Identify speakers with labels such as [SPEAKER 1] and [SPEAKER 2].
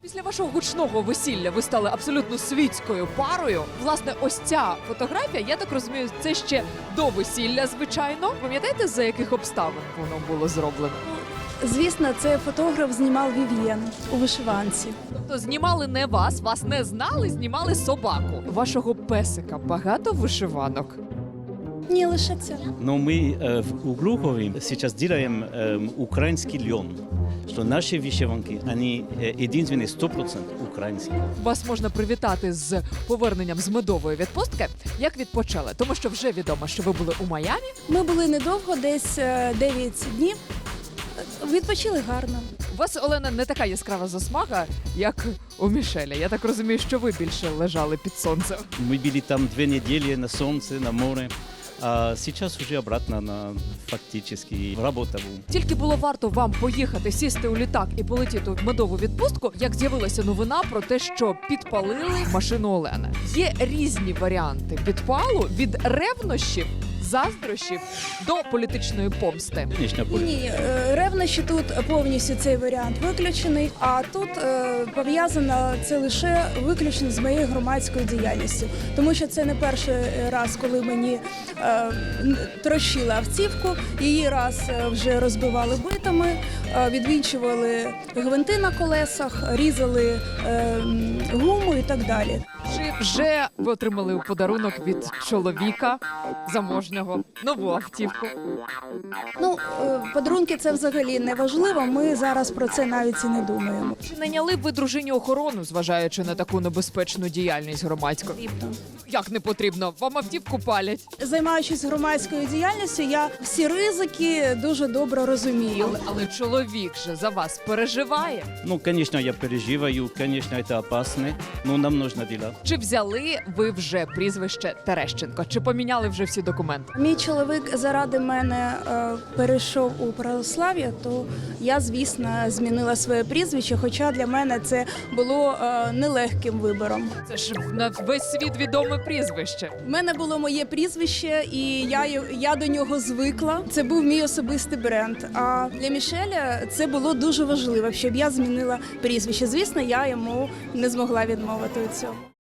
[SPEAKER 1] Після вашого гучного весілля ви стали абсолютно світською парою. Власне, ось ця фотографія, я так розумію, це ще до весілля, звичайно. Пам'ятаєте, за яких обставин воно було зроблено?
[SPEAKER 2] Звісно, це фотограф знімав Вів'єн у вишиванці.
[SPEAKER 1] Тобто знімали не вас, вас не знали, знімали собаку. Вашого песика багато вишиванок?
[SPEAKER 2] Ні, лише це.
[SPEAKER 3] Но мы у Глухове сейчас делаем украинский лен, что наши вышиванки, они единственные 100% украинские.
[SPEAKER 1] Вас можна привітати з поверненням з медової відпустки. Як відпочали? Тому що вже відомо, що ви були у Майамі.
[SPEAKER 2] Ми були недовго, десь 9 днів. Відпочили гарно.
[SPEAKER 1] У вас, Олена, не така яскрава засмага, як у Мішеля. Я так розумію, що ви більше лежали під сонцем.
[SPEAKER 3] Мы были там 2 недели на солнце, на море, а сейчас уже обратно на фактически работу.
[SPEAKER 1] Тільки було варто вам поїхати, сісти у літак і полетіти в медову відпустку, як з'явилася новина про те, що підпалили машину Олени. Є різні варіанти підпалу від ревнощів, заздрощів до політичної помсти.
[SPEAKER 3] Конечно,
[SPEAKER 2] Ні, ревнощі тут повністю цей варіант виключений, а тут пов'язано це лише виключно з моєю громадською діяльністю. Тому що це не перший раз, коли мені трощили автівку, її раз вже розбивали битами, відвінчували гвинти на колесах, різали гуму і так далі.
[SPEAKER 1] Чи вже ви отримали у подарунок від чоловіка заможнього нову автівку?
[SPEAKER 2] Ну, подарунки це взагалі не важливо, ми зараз про це навіть і не думаємо.
[SPEAKER 1] Чи найняли б ви дружині охорону, зважаючи на таку небезпечну діяльність громадську? Як не потрібно? Вам автівку палять.
[SPEAKER 2] Займаючись громадською діяльністю, я всі ризики дуже добре розумію.
[SPEAKER 1] Але чоловік же за вас переживає.
[SPEAKER 3] Ну, конечно, я переживаю, конечно, это опасно, но нам нужно делать.
[SPEAKER 1] Чи взяли ви вже прізвище Терещенко? Чи поміняли вже всі документи?
[SPEAKER 2] Мій чоловік заради мене перейшов у православ'я, то я, звісно, змінила своє прізвище, хоча для мене це було нелегким вибором.
[SPEAKER 1] Це ж на весь світ відоме прізвище.
[SPEAKER 2] У мене було моє прізвище, і я до нього звикла. Це був мій особистий бренд. А для Мішеля це було дуже важливо, щоб я змінила прізвище. Звісно, я йому не змогла відмовити у цьому.